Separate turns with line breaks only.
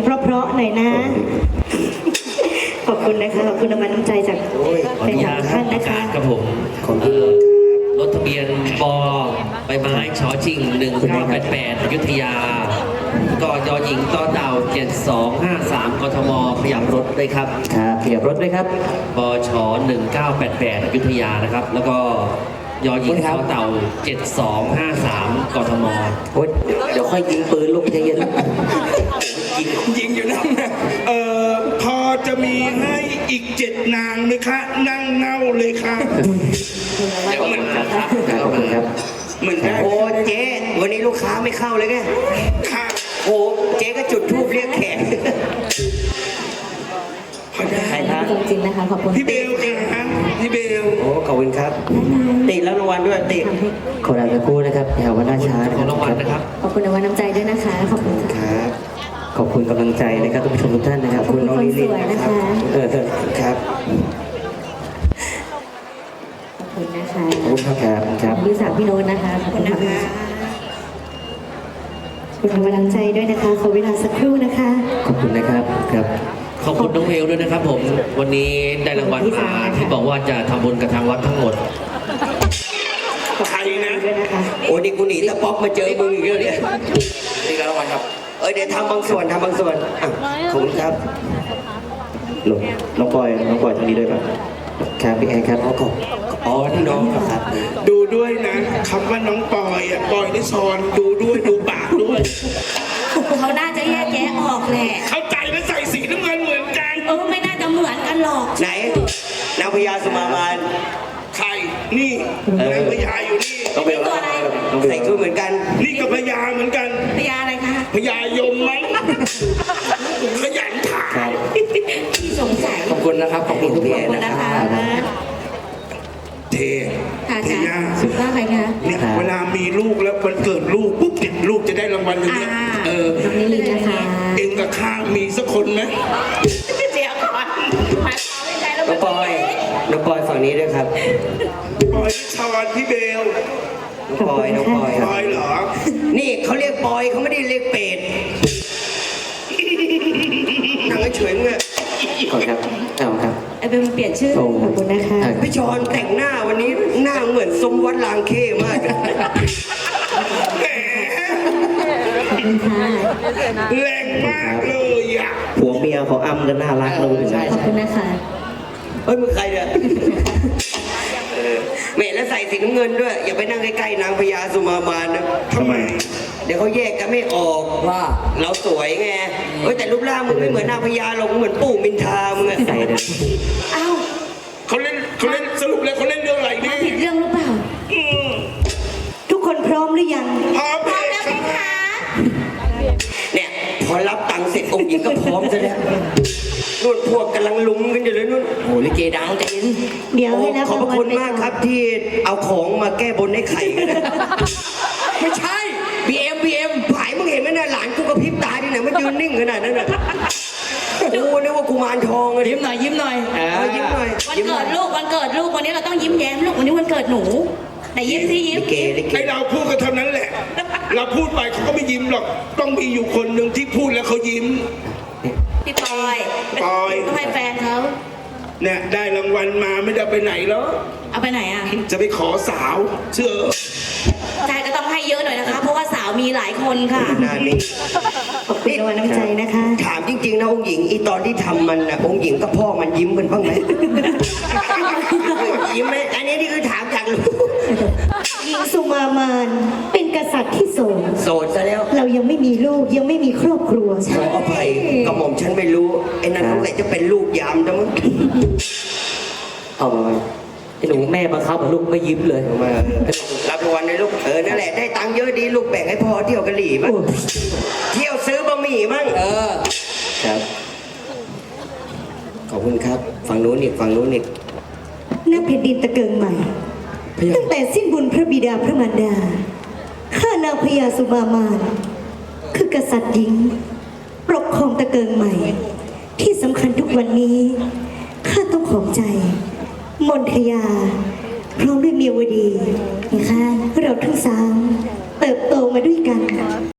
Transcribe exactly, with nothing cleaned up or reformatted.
เพราะๆหน่อยนะขอบคุณนะคะขอบคุณรางวัลน้ำใจจาก
ขออนุญาต
ท่านนะ
กา
คะ
รกับผมเอ่อรถทะเบียนปอใบไม้ชอชิงหนึ่งเก้าแปดแปดอยุธยา ก็ยอหญิงต่อเต่าเจ็ดสองห้าสามกทมขยับรถด้วยครับ
ครับขยับรถด้วยครับ
ปชหนึ่งเก้าแปดแปดอยุธยานะครับ แล้วก็ยอหญิงต่อเต่าเจ็ดสองห้าสามกทม
โอ๊ยเดี๋ยวค่อยยิงปืนลูกใจเย็น
ยิงยิงอยู่นั่นนะเอ่อพอจะมีให้อีกเจ็ดนางไหมคะ นั่งเน่าเลยค่ะเดี๋ยวมัน
ครับขอบคุณครับ
เหมือนได้
โอ้เจ๊วันนี้ลูกค้าไม่เข้าเลยไง
ค่ะ
โอ้เจ๊ก็จุดธูปเรียกแขก
พอได้
ใครครับ
จริงๆนะคะขอบคุณ
พี่เบลค่ะพี่เบล
โอ้ขอบคุณครับติดแล้วรางวัลด้วยติด
ขอลาสักครู่นะครับอย่าวันหน้าช้านะ
ข
ค
อ
รับ
รางวัลนะครับ
ขอบคุณรางวัลน้ำใจด้วยนะคะขอบคุณค่ะ
ครับ
ขอบคุณกำลังใจนะครับทุกผู้ชมทุกท่านนะครับ
ขอบคุณ
น้องลิลลิน
คนสวย
นะ
นะ
ครั
คะ
บเออครับ
ขอบคุณนะคะ
ขอบคุณครับครับ
พี่สาวพี่โน้ตนะคะขอบคุณนะคะขอบคุณรางวัลน้ำใจด้วยนะคะขอเวลาสักครู่นะคะ
ขอบคุณนะครับครับ
ขอบคุณน้องเวลด้วยนะครับผม วันนี้ได้รางวัลมาที่บอกว่าจะทำบุญกับทางวัดทั้งหมด
ใครนะ
ด้วยนะคะ
โอ้นี่กูหนีตะป๊อกมาเจอมึงอีกแล้วเนี่ยนี่รางวัลครับ เออเดี๋ยวทำบางส่วนทำบางส่วนอ่ะขอบคุณครับ
หลงน้องปอยน้องปอยทางนี้ด้วยป่ะครับพี่แอนครับอ๋อขอบ
อ๋อที่น้องเหรอครับ
ดูด้วยนะคำว่าน้องปอยอ่ะปอยนิซอนดูด้วยดูปากด้วย
เขาน่าจะแยกแยะออกแหละ
เข้าใจแล้วใส่สีน้ำเงินเหมือนกัน
เออไม่น่าจะเหมือนกันหรอก
ไหนนางพญาสุมามาน
ใครนี่นางพญาอยู่นี่
น้องเบล
ตัวอะไร
น้องเบล
ใส่ชุดเหมือนกัน
นี่ก็พญาเหมือนกัน
พยาอะไรคะ
พญายมมั้งขยันถาม
ครับ
ที่สงสัย
ขอบคุณนะครับขอบคุณทุก
พี่
ท่า
แอน น
นะ
นะคะ
คะ
เท
ค่ะ
เท
ค่ะ
ย่า
ว่าใครคะ
เนี่ยเวลามีลูกแล้ววันเกิดลูกปุ๊บเนี่ยลูกจะได้รางวัลอย่างเนี้ย
อ่า
เออ
น้องนิลินนะคะ
เองกับข้ามีสักคนไหม
เดี๋ยวก่อนมาเอาใจแล้ว
น้องปอยน้องปอยฝั่งนี้ด้วยครับ
ปอยนิชอนพี่เบล
น้องปอยน้องปอยค
ป
รับ
อยเหรอ
นี่เขาเรียกปอยเขาไม่ได้เรียกเป็ดนั่งเฉยๆเงี้ย
ขอบคุณครับเอาครับ
ไอ้เบลมันเปลี่ยนชื่อ
โอ้
ขอบคุณนะคะ
พี่ชอนแต่งหน้าวันนี้หน้าเหมือนสมวัดลางเข้มาก
แหม
ขอบคุณค่ะ
แรงมากเลยอ่ะ
ผัวเมียเขาอ้ำกันน่ารักเลย
ขอบคุณนะคะ
เฮ้ยมึงใครเนี่ยเออแม่แล้วใส่สีน้ำเงินด้วย อย่าไปนั่งใกล้ๆนางพญาสุมามานนะ
ทำไม
เดี๋ยวเขาแยกกันไม่ออกว่าเราสวยไงเฮ้ยแต่รูปร่างมึงไม่เหมือนนางพญาหรอกมึงเหมือนปู่มินทามึงอะ
ใส่เลย
อ้าว
เขาเล่นเขาเล่นสรุปแล้วเขาเล่นเรื่องอะไร
มา
นี่
ผิดเรื่องหรือเปล่า
อืม
ทุกคนพร้อมหรือยัง
พร้อม
พร้อม
เล
แล้
ยว
ไหม
ค่ะ
คะ
เนี่ยพอรับตังค์เสร็จองค์หญิงก็พร้อมซะแล้วนู่นพวกกำลังลุมกันอยู่เลยนู่นโอ้ลิเกดังจริง
เดี๋ยวให้รับ
ขอบพระคุณมากครับที่เอาของมาแก้บนให้ไข่กันนะ ไม่ใช่ บี เอ็ม บี เอ็ม ผายมึงเห็นไหมน่ะหลานกูกระพริบตาที่ไหนมันยืนนิ่งขนาดนั้นน่ะกูนึกว่ากูมารทองเลย
ยิ้มหน่อยยิ้มหน่อย
เออยิ้มหน่อย
วัน
ยิ้มหน่
เกิ
อย
ดลูกวันเกิดลูกวันนี้เราต้องยิ้มแย้มลูกวันนี้วันเกิดหนูแต่ยิ้มสิยิ้ม
ลิเกลิเก
ไอเราพูดก็เท่านั้นแหละ เราพูดไปเขาก็ไม่ยิ้มหรอก ต้องมีอยู่คนหนึ่งที่พูดแล้วเขายิ้ม
พี่ปอย
ปอย
ต้องให้แฟนเขา
เนี่ยได้รางวัลมาไม่ได้ไปไหนแล้ว
เอาไปไหนอ่ะ
จะไปขอสาว เชื่อ
ใจก็ต้องให้เยอะหน่อยนะคะ เพราะว่าสาวมีหลายคนค่ะ
หน้านิ่ง
ขอบคุณรางวัลน้ำใจนะคะ
ถามจริงๆนะองค์หญิงอีตอนที่ทำมันนะองค์หญิงกับพ่อมันยิ้มกันบ้างไหม ยิ้มไหมอันนี้นี่คือถามจากรู้
หญิงสุมามานเป็นกษัตริย์ที่โสด
โสดซะแล้ว
เรายังไม่มีลูกยังไม่มีครอบครัว
ขออภัยกระหม่อมฉันไม่รู้ไอ้นั่นสงสัยจะเป็นลูกยามจังมั้ง
เอามาไอ้หนูแม่บังคับลูกไม่ยิ้มเลย
มารับรางวัลเลยลูกเออนั่นแหละได้ตังค์เยอะดีลูกแบ่งให้พ่อเที่ยวกะหรี่บ้างเที่ยวซื้อบะหมี่บ้างเออครับขอบคุณครับฝั่งนู้นอีกฝั่งนู้นอีก
ณแผ่นดินตะเกิงใหม่ ตั้งแต่สิ้นบุญพระบิดาพระมารดา ข้านางพญาสุมามาน คือกษัตริย์หญิง ปกครองตะเกิงใหม่ ที่สำคัญทุกวันนี้ ข้าต้องของใจ มนทยา พร้อมด้วยเมียวดีนะคะเราทั้งสามเติบโตมาด้วยกัน